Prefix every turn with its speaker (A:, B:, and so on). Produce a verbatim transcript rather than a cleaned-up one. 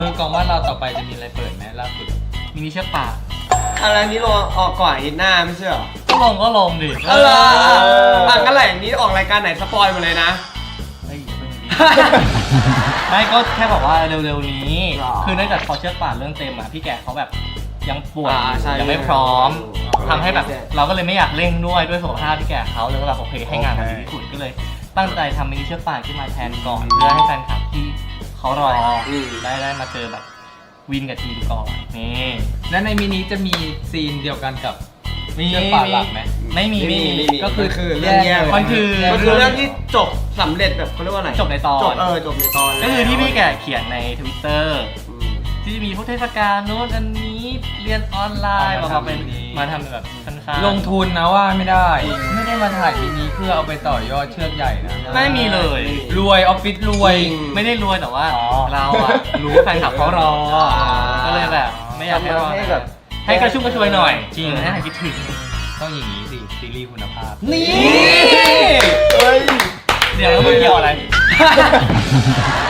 A: คือกองว่าเราต่อไปจะมีอะไรเปิดไหมล่าสุดมินิเชือกป่า
B: อะไรนี้ลงออกก่อนอาทิตย์หน้าไม่ใช่เหรอ
A: ก็ลงก็ลงดิ
B: เอออ่ะงั้นแหละอย่างนี้ออกรายการไหนสปอยล์มาเลยนะ
A: เฮ้ยอย่าเพิ่งดิ ไม่ก็แค่บอกว่าเร็วๆนี้
B: หรอ
A: คือเนื่องจากพอเชือกป่านเรื่องเต็มอ่ะพี่แกเขาแบบยังป่วย
B: อ่าใช่
A: ยังไม่พร้อม
B: อ๋อ
A: ทำให้แบบ
B: ใช่
A: เราก็เลยไม่อยากเร่งด้วยด้วยสุขภาพพี่แกเขาเลยก็แบบโอเคให้งานมันดีที่สุดก็เลย ตั้งใจทำมินิเชือกป่านขึ้นมาแทนก่อน เพื่อให้แฟนคลับที่เขารอ
B: อืม
A: ได้ได้มาเจอแบบวินกับทีมก่อนนี่
C: และในมินิจะมีซีนเดียวกันกับ
A: มี
C: เชือกป่านหลักไหม
A: ไม่มีไม่มี
B: ไม่มี
C: ก็คือ
B: คือเรื่องแยก
A: มันคือ
B: มันคือเรื่องที่จบสำเร็จแบบเขาเรียกว่าอะไร
A: จบในตอน
B: จบเออจบในตอน
A: ก็คือที่พี่แกเขียนในทวิตเตอร์
B: อืม
A: ที่จะมีพวกเทศกาลโน้นอันนี้เรียนออนไลน์
C: เอา
A: มา
C: มา
A: เป็น
C: ทำมินิ
A: มาทำแบบสั้นๆ
C: ลงทุนนะว่าไม่ได้ ไม่ได้มาถ่ายมินิเพื่อเอาไปต่อยอดเชือกใหญ่นะ
A: ไม่มีเลย
C: รวยออฟฟิศรวย
B: จริง
A: ไม่ได้รวยแต่ว่า
C: อ๋อ
A: เราอะรู้ว่าแฟนคลับเขารอ
B: อ่า
A: ก็เลยแบบ ไม่อยากให้รอ
B: ให้แบบ
A: ให้กระชุ่มกระชวยหน่อย จริงให้หายคิดถึง
C: ต้องอย่างนี้สิซีรีส์คุณภาพ
B: นี่เฮ้ย
A: เดี๋ยวแล้วมันเกี่ยวอะไร